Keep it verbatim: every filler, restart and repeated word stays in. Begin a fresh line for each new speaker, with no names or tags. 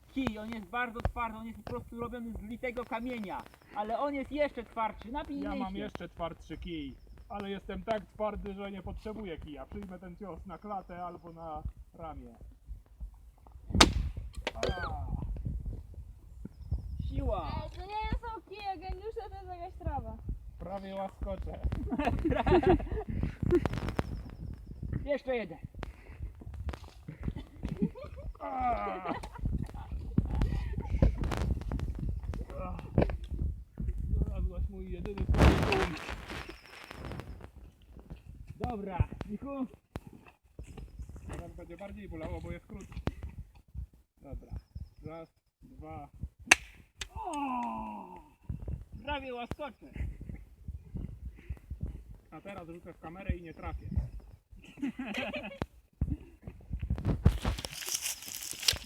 kij, on jest bardzo twardy, on jest po prostu robiony z litego kamienia, ale on jest jeszcze twardszy, napij
Ja mam
się.
jeszcze twardszy kij, ale jestem tak twardy, że nie potrzebuję kija. Przyjmę ten cios na klatę albo na ramię. A,
Siła.
Ej, to nie są kije geniusza, to jest jakaś trawa.
prawie łaskoczę.
Jeszcze jeden.
A. Znalazłaś mój jedyny punkt.
Dobra, Michu.
Teraz będzie bardziej bolało, bo jest krótki. Dobra. Raz, dwa.
O! Prawie łaskoczę.
A teraz rzucę w kamerę i nie trafię.